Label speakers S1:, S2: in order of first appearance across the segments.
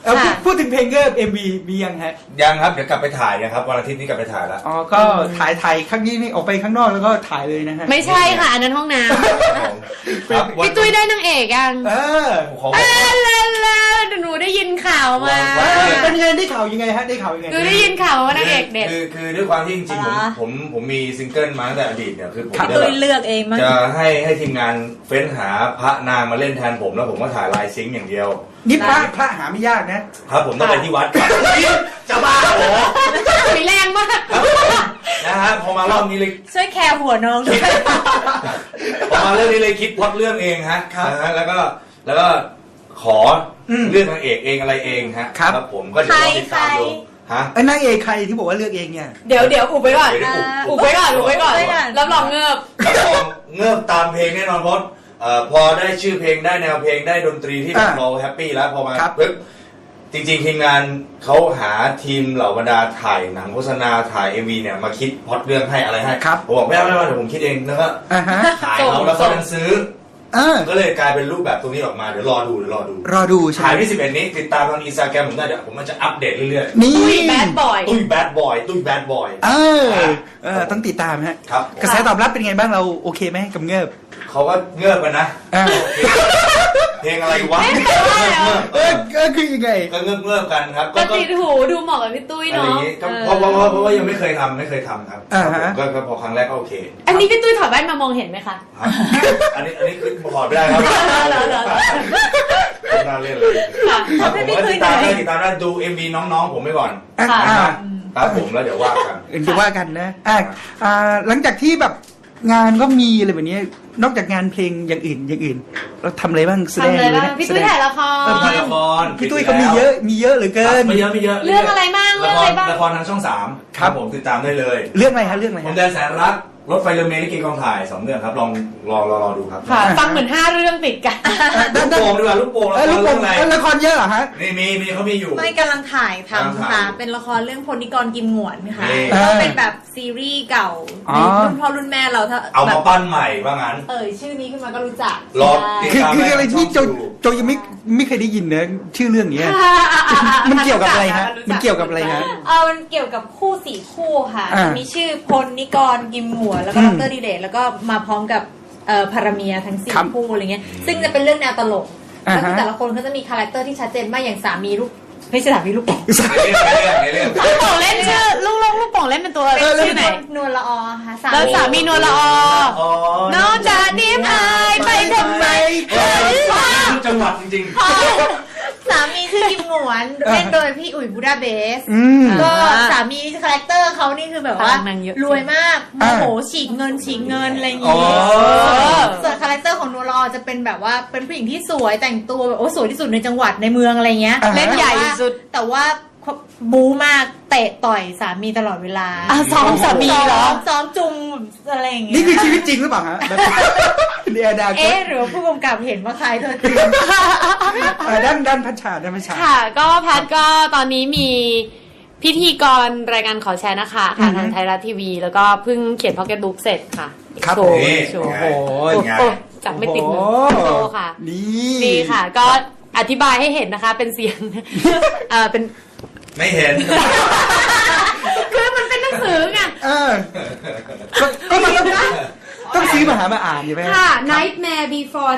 S1: พูดถึงเพลงเกิร์ล MV มียังฮะ
S2: ยังครับเดี๋ยวกลับไปถ่ายนะครับวันอาทิตย์นี้กลับไปถ่ายแล้ว
S1: อ๋อก็ถ่ายครั้งนี้นี่ออกไปข้างนอกแล้วก็ถ่ายเลยนะฮะ
S3: ไม่ใช่ค่ะอันนั้นห้องน้ำพี่ตุ้ยได้นางเอกยังหนูได้ยินข่าวมา
S1: เป็นยังไงได้ข่าวยังไงฮะได้ข่าวยังไง
S3: หนูได้ยินข่าวว่านางเอกเด็ด
S2: คือด้วยความที่จริงๆผมมีซิงเกิลมาตั้งแต่อดีตเนี่ยคือผม
S4: ตุ้ยเลือกเองมั้ง
S2: จะให้ทีมงานเฟ้นหาพระนางมาเล่นแทนผมแล้วผมก็ถ่ายลายซิงค์อย่างเดียว
S1: นี่พระหาไม่ยาก
S2: นะครับผมต้องไปที่วัดจะบ้าเหรอ
S3: มีแรงมาก
S2: นะฮะพอมารอบนี้เลย
S4: ช่วยแคร์หัวน้องด้วย
S2: พอมาเรื่องนี้เลยคิดพล็อตเรื่องเองฮะแล้วก็ขอเลือกนางเอกเองอะไรเองฮะครับผมก็เดี๋ยวติดตามดูฮะ
S1: นางเอกใครที่บอกว่าเลือกเองเนี่ย
S3: เดี๋ยวอุบไว้ก่อนอุบไว้ก่อนรับรองเงือบ
S2: ตามเพลงแน่นอนเพราะพอได้ชื่อเพลงได้แนวเพลงได้ดนตรีที่เราแฮปปี้แล้วพอมาปึ๊บจริงๆทีมงานเขาหาทีมเหล่าบรรดาถ่ายหนังโฆษณาถ่าย MV เนี่ยมาคิดพล็อตเรื่องให้อะไรให้ผมบอกไม่เอาเดี๋ยวผมคิดเองแล้วก็ถ่ายเขาแล้วเขาดันซื้อก็เลยกลายเป็นรูปแบบตรงนี้ออกมาเดี๋ยวรอดูถ่ายที่11นี้ติดตามทาง Instagram ผมได้เดี๋ยวผมมันจะอัปเดตเรื่อย
S1: ๆนี่
S3: ตุ้ยแบดบอย
S1: ต้องติดตามฮะกระแสตอบรับเป็นไงบ้างเราโอเคไหมกับเงือบ
S2: เขาก็เงือบกันนะเพลงอะไรวะ
S1: คือยังไง
S2: ก็เงือบกันครับ
S3: ก็ติดหูดูเหมาะกับพี่ตุ้ยเนาะ
S2: เพราะว่ายังไม่เคยทำครับก็พอครั้งแรกก็โอเค
S3: อันนี้พี่ตุ้ยถอดแว่นมามองเห็นไหมคะ
S2: อันนี้คือถอดไม่ได้ครับน่าเล่นเลยผมก็ติดตามได้ดู MV น้องๆผมไปก่อนครับผมแล้วเดี๋ยวว่า
S1: กันนะหลังจากที่แบบงานก็มีอะไรแบบนี้นอกจากงานเพลงอย่างอื่นเราทำอะไรบ้างแสดงเลยนะ
S3: พี่ตุ้ยถ่ายละค
S2: ร
S1: พี่ตุ้ยเขามีเยอะเหลือเกิน
S2: ไม่เยอะ
S3: เรื่องอะไรบ้าง
S2: ละครทางช่อง3ครับผมติดตามได้เลย
S1: เรื่องอะไรฮะ
S2: ผมแดนแสนรักรถไฟเรือเมล์ลิเกกองถ่าย2เรื่องครับลองรอดูครับ
S3: ฟังเหมือน5เรื่องติดกัน
S2: ลูกโป่งดีกว่าลูกโป่ง
S1: ละครเยอะเหรอฮะ
S2: มีเขามีอยู่
S4: ไม่กำลังถ่ายทำค่ะเป็นละครเรื่องพลนิกรกิมหงวนค่ะก็เป็นแบบซีรีส์เก่ารุ่นพ่อรุ่นแม่เราถ้า
S2: เอามาปั้นใหม่ว่างั้น
S4: ชื่อนี้ขึ้นมาก็รู้จัก
S1: คืออะไรที่โจยังไม่เคยได้ยินเนอะชื่อเรื่องนี้มันเกี่ยวกับอะไรฮะมันเกี่ยวกับอะไรฮะ
S4: มันเกี่ยวกับคู่4คู่ค่ะมีชื่อพลนิกรกิมหงวนแล้วก็ดร.ดิเดชแล้วก็มาพร้อมกับพาราเมียทั้ง4คู่อะไรเงี้ยซึ่งจะเป็นเรื่องแนวตลกแล้วแต่ละคนเขาจะมีคาแรคเตอร์ที่ชัดเจนมากอย่างสามีลูกไม่ใช่สามีลูกโป่ง
S3: ลูกโป่งเล่นชื่อลูกโป่งเล่นเป็นตัวชื่อไหน
S4: นวลละอค่ะ
S3: แล้วสามีนวลละอน้องจะนิ่มอายไปทำไม
S2: จังหวัดจริง
S4: สามีชื่อกิมหงวนเล่นโดยพี่อุ๋ยบูดาเบสก็สามีคาแรคเตอร์เขานี่คือแบบว่ารวยมากโมโหฉีกเงินอะไรอย่างงี้ส่วนคาแรคเตอร์ของนวลละอจะเป็นแบบว่าเป็นผู้หญิงที่สวยแต่งตัวแบบสวยที่สุดในจังหวัดในเมืองอะไรเงี้ย
S3: เล่นใหญ่สุด
S4: แต่ว่าบู๊มากเตะต่อยสามีตลอดเวลา
S3: ซ้อมสามีเหรอ
S4: ซ้อมจุงอะไรอย่างเงี้ย
S1: นี่คือชีวิตจริงหรือเปล่าฮะ
S4: หรือผู้กำกับเห็นว่าใครเธอจริง
S1: ด้านพัชชา
S3: ค่ะก็พัดก็ตอนนี้มีพิธีกรรายการขอแชร์นะคะทางไทยรัฐทีวีแล้วก็เพิ่งเขียนพ็อกเก็ตบุ๊กเสร็จค่ะ
S1: ครับโอ้โห
S3: จับไม่ติดมือโตค่ะนี่ค่ะก็อธิบายให้เห็นนะคะเป็นเสียงเป็น
S2: ไม่เห็น
S3: คือมันเป็นหนังสือไง
S1: ก็มันต้องซื้อมาอ่านใช่ไหม
S3: ค่ะ Nightmare Before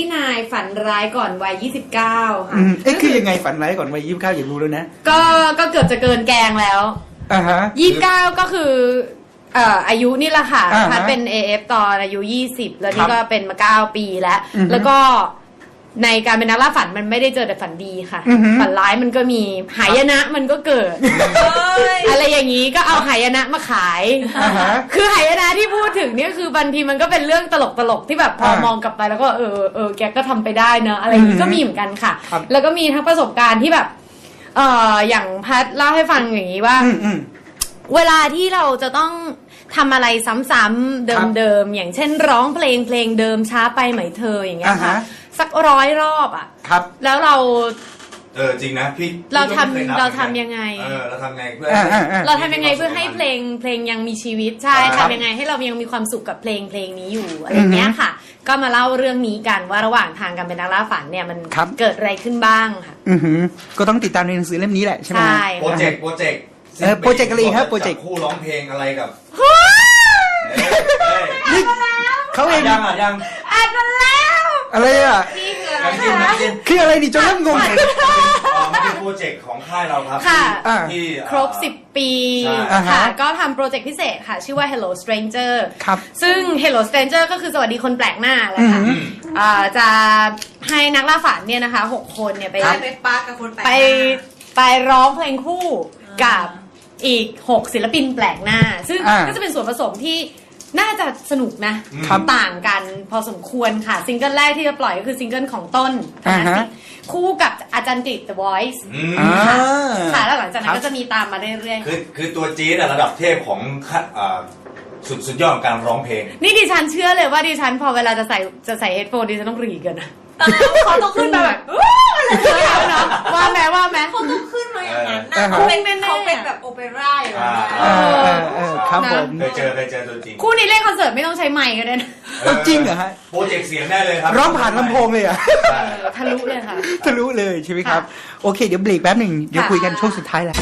S3: 29 ฝันร้ายก่อนวัย29ค่ะ
S1: คือยังไงฝันร้ายก่อนวัย29อยากรู้แล้วนะ
S3: ก็เกือบจะเกินแกงแล้ว29ก็คืออายุนี่แหละค่ะพัดเป็น AF ตอนอายุ20แล้วนี่ก็เป็นมา9ปีแล้วก็ในการเป็นนักล่าฝันมันไม่ได้เจอแต่ฝันดีค่ะฝันร้ายมันก็มีหายนะมันก็เกิดอะไรอย่างนี้ก็เอาหายนะมาขายคือหายนะที่พูดถึงเนี่ยคือบางทีมันก็เป็นเรื่องตลกที่แบบพอมองกลับไปแล้วก็แกก็ทำไปได้เนอะอะไรอย่างนี้ก็มีเหมือนกันค่ะแล้วก็มีทั้งประสบการณ์ที่แบบอย่างพัดเล่าให้ฟังอย่างนี้ว่าเวลาที่เราจะต้องทำอะไรซ้ำๆเดิมๆอย่างเช่นร้องเพลงเดิมช้าไปไหมเธออย่างเงี้ยค่ะสัก100 รอบอ่ะ
S1: ครับ
S3: แล้วเรา
S2: จริงนะพี่
S3: เราทำยังไง
S2: เราทำไงเพื่อ
S3: ให้เพลงยังมีชีวิตใช่ทำยังไงให้เรายังมีความสุขกับเพลงนี้อยู่อะไรเงี้ยค่ะก็มาเล่าเรื่องนี้กันว่าระหว่างทางการเป็นนักล่าฝันเนี่ยมันเกิดอะไรขึ้นบ้างค่ะ
S1: ก็ต้องติดตามในหนังสือเล่มนี้แหละใช่ไหม
S3: ใช่
S2: โปรเจกต์
S1: โปรเจกต์อะไรครับโปรเจกต์
S2: คู่ร้องเพลงอะไรกับ
S1: นี่เขาเอง
S2: ยัง
S3: อ่านมาแล้ว
S1: อะไรอ่ะ
S4: นี่คืออะไร
S2: ยัง
S4: คะ
S1: คืออะไรดิจนเริ่มงงเลย
S2: มันเป็นโปรเจกต์ของค่ายเราครับ
S3: ค่ะ
S2: ที่
S3: ครบ 10 ปี
S2: ใช่
S3: ค่ะ ก็ทำโปรเจกต์พิเศษค่ะ ชื่อว่า Hello Stranger
S1: ครับ
S3: ซึ่ง Hello Stranger ก็คือสวัสดีคนแปลกหน้าแหละค่ะจะให้นักล่าฝันเนี่ยนะคะ 6 คนเนี่ยไป
S4: ไปปากับคนแปลกห
S3: ไป
S4: น้า
S3: ไปร้องเพลงคู่กับอีก 6 ศิลปินแปลกหน้า ซึ่งก็จะเป็นส่วนผสมที่น่าจะสนุกนะต่างกันพอสมควรค่ะ ซิงเกิลแรกที่จะปล่อยก็คือซิงเกิลของต้นคู่กับอาจารย์กฤษ The Voice ค่ะแล้วหลังจากนั้นก็จะมีตามมาเรื่อยๆ
S2: คือตัวจี๊ดอะระดับเทพของสุดยอดของการร้องเพลง
S3: นี่ดิฉันเชื่อเลยว่าดิฉันพอเวลาจะใส่เฮดโฟนดิฉันต้องรีกันนะ
S4: เขาต้องขึ้นมาแบบ
S3: เนาะว่าแม้
S4: เขาต้องขึ้นมาอย่างนั้นนะ
S1: อ่าฮะ
S4: เขาเป็นแบบโอเปร่าอยู่แล้ว
S1: ครับผม
S2: เคยเจอตัวจริง
S3: คู่นี้เล่นคอนเสิร์ตไม่ต้องใช้ไมค์ก็ได้นะ
S1: จริงเหรอฮะ
S2: โปรเจกต์เสียงได้เลยครับ
S1: ร้องผ่านลำโพงเลยอ่ะ
S3: ทะลุเลยค่ะ
S1: ทะลุเลยใช่ไหมครับ โอเคเดี๋ยวเบรกแป๊บหนึ่งเดี๋ยวคุยกันช่วงสุดท้ายแล้ว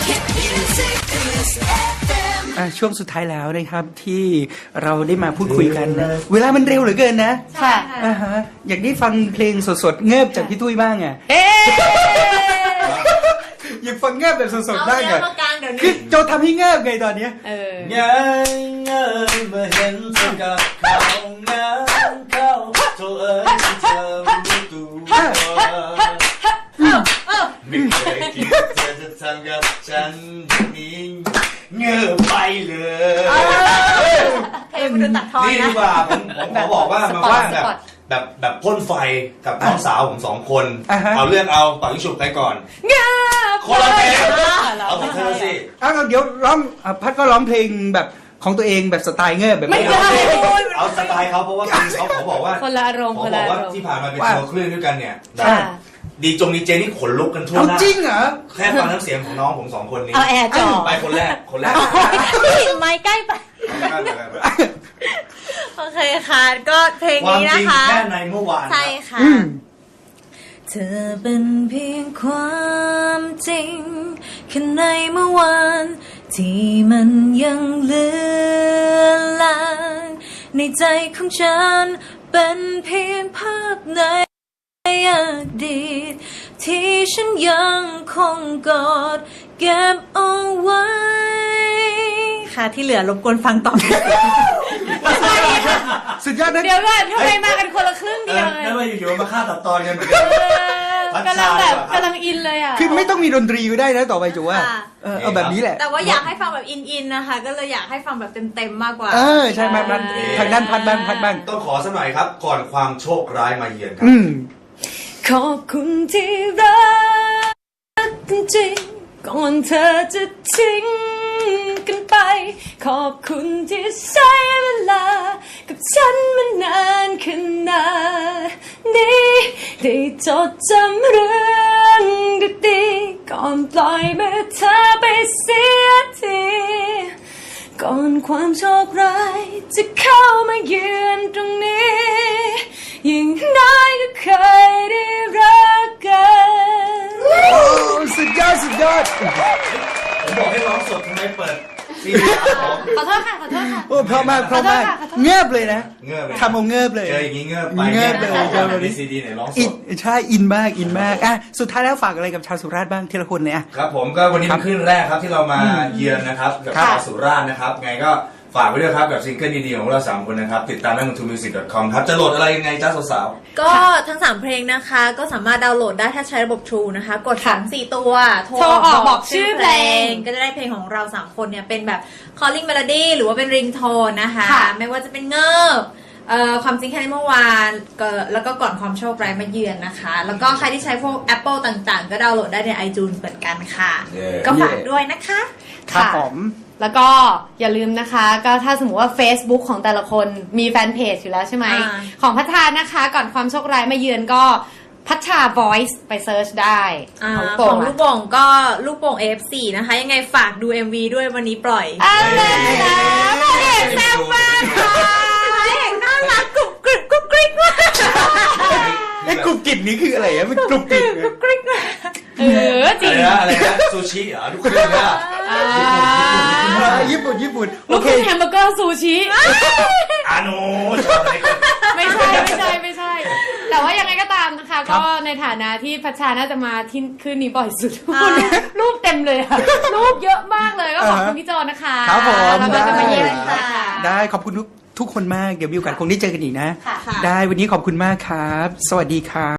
S1: ช่วงสุดท้ายแล้วนะครับที่เราได้มาพูดคุยกันนะเวลามันเร็วเหลือเกินนะ
S3: ค่ะ
S1: อยากได้ฟังเพลงสดๆเงิบจากพี่ตุ้ยบ้างอ่ะ
S3: เอ๊ะ
S1: อยากฟังเงิบแบบสดๆบ้าง
S4: เอา
S1: อ่ะ
S4: เนื้อมากลางเดี๋ยว
S1: คือ
S4: นี้
S1: โจทำให้เงิบไงตอนเนี้ย
S2: ยังเงินเมื่อเห็นเธอกับเขานั้นเขาโธ่เอ้ยที่เธอรู้ตัวไม่เคยคิดเธอจะทำกับฉันอย่างนี้เงือบไปเลย
S4: เพลงมันดูตัดทอน
S2: นี่ดี
S4: นะ
S2: กว่าผมขอบอกว่ามาว่าแบบพ่นไฟกับน้องสาวผม2 คน เอาเรื่องเอาต่อยิงฉุบใครก่อน
S3: เงา
S2: คนละเพลงเอาของเธอสิ
S1: เดี๋ยวร้องพัดก็ร้องเพลงแบบของตัวเองแบบสไตล์เงิบแบบ
S3: ไม่ได้
S2: เอาสไตล์เขาเพราะว่าเขาบอกว่า
S3: คนละอารมณ์
S2: เขา
S3: คน
S2: บ
S3: ละ
S2: อก
S3: อา
S2: ว่าร
S3: มณ์
S2: ที่ผ่านมาเป็นทัวร์คลื่นด้วยกันเนี่ย
S3: ค่ะ
S2: ดีเจนี่ขนลุกกันทั่ว
S1: เอา
S2: หน้า
S1: จริงเหรอ
S2: แค่ฟังน้ำเสียงของน้องผม2 คนนี้
S3: เอาแอร์จ่อ
S2: ไปคนแรก
S4: ไม้ใกล้ไป โอเคค่ะ ก็เพลง
S2: ความ
S4: นี้
S2: จ
S4: นะ
S2: ริง
S4: คะ
S2: แค่ในเมื่อวาน
S4: ใช่ค่ะ เธอเป็นเพียงความจริงแค่ในเมื่อวานที่มันยังเหลือลางในใจของฉันเป็นเพียงภาพในอดีตที่ฉันยังคงกอดเก็บเอาไว้ค่ะที่เหลือรบกวนฟังต่อ
S1: สุดยอดนะ
S3: เดี๋ยวก่อนทำไมมากันคนละครึ่งเดียวเลย
S2: แล้วมาอยู่ๆมาฆ่าตัดตอนกันเหมือนกัน
S3: กำลังแบบกำลังอินเลยอ่ะ
S1: คือไม่ต้องมีดนตรีก็ได้นะต่อไปจูว่า
S4: ค่ะ
S1: เอาแบบนี้แหละ
S4: แต่ว่าอยากให้ฟังแบบอินๆนะคะ ก็เลยอยากให้ฟังแบบเต็มๆมากกว่า
S1: ใช่มันทางด้านพัดบ้าง
S2: ต้องขอสักหน่อยครับ ก่อนความโชคร้ายมาเยือนครับ
S3: ขอบคุณที่รักจริงๆก่อนเธอจะทิ้งกันไป ขอบคุณที่ใช้เวลากับฉันมานานขนาดนี้ได้จดจำเรื่องดีๆก่อนปล่อยมือเธอไปเสียทีก่อนความโชคร้ายจะเข้ามาเยือนตรงนี้ยิ่งน้อยก็เคยได้รักกัน
S1: สุดยอด
S2: ผมบอกให้ร้องสดทำไมเปิดซีดีครับ
S3: ขอโทษค่ะ
S1: โอ้เพราะมาก
S3: ขอโทษค่ะ
S1: เงียบเลยนะ
S2: เงือบ
S1: ทำเอาเงียบเลย
S2: เจออย่างนี้เงือบไป
S1: เงือบเลย
S2: มีซีดีไหนร้องส
S1: อิน
S2: ด
S1: ใช่อินมากสุดท้ายแล้วฝากอะไรกับชาวสุราษฎร์บ้างทีละคนเนี่ย
S2: ครับผมก็วันนี้เป็นขึ้นแรกครับที่เรามาเยือนนะครับกับ
S1: ครับ
S2: ชาวสุราษฎร์นะครับไงก็ฝากไว้ด้วยครับกับซิงเกิลดีๆของเรา3 คนนะครับติดตามได้บน TuneMusic.com ครับจะโหลดอะไรยังไงจ้าสาว
S4: ก็ทั้ง 3 เพลงนะคะ ก็สามารถดาวน์โหลดได้ถ้าใช้ระบบ True นะคะ กด
S3: ค่ะ
S4: 2-4 ตัว
S3: โทรออกบอกชื่อเพลง
S4: ก็จะได้เพลงของเรา 3 คนเนี่ย เป็นแบบ calling melody หรือว่าเป็น ringtone นะคะ
S3: ค่ะ
S4: ไม่ว่าจะเป็นเงิบความจริงแค่ในเมื่อวานแล้วก็ก่อนความโชคร้ายมาเยือนนะคะ แล้วก็ใครที่ใช้พวก Apple ต่างๆ ก็ดาวน์โหลดได้ใน iTunes เหมือนกันค่ะ ก็ฝากด้วยนะคะ
S1: ครับผม
S3: แล้วก็อย่าลืมนะคะ ก็ถ้าสมมติว่า Facebook ของแต่ละคนมีแฟนเพจอยู่แล้วใช่ไหม ของพัฒนานะคะ ก่อนความโชคร้ายมาเยือนก็พัฒนา Voice ไปเซิร์ชได้
S4: ของลูกโป่งก็ลูกโป่ง AF4 นะคะ ยังไงฝากดู MV ด้วยวันนี้ปล่อย
S3: อะไรนะพระเอกแซ่บมากค่ะ
S4: เด็กน่ารักกรุบกริบกรุบกริบมาก
S1: ไอ้กรุบกริบนี้คืออะไรอะมันกรุบกริบ
S4: กรุบกริบมาก
S3: จริง
S2: อะไรนะซูชิเหรอลูกครึ่งอะ
S1: ญี่ปุ่นโอ
S3: ลูก
S1: เค
S3: ครึ่งแฮมเบอร์เกอร์ซูชิ
S2: อาโนชอบอะไรกัน
S3: ไม่ใช่ แต่ว่ายังไงก็ตามนะคะ ก็ในฐานะที่พัชชาน่าจะมาที่คืนนี้บ่อยสุดรูปเต็มเลยอะรูปเยอะมากเลยก็ขอบคุณพี่โจนะคะ
S1: ครับผม
S3: แล้วก็จะมาเยี่ยมค่ะ
S1: ได้ขอบคุณทุกคนมากเดี๋ยวมีโอกาสคงได้เจอกันอีกนะ
S3: ค่ะ
S1: ได้วันนี้ขอบคุณมากครับ สวัสดีครับ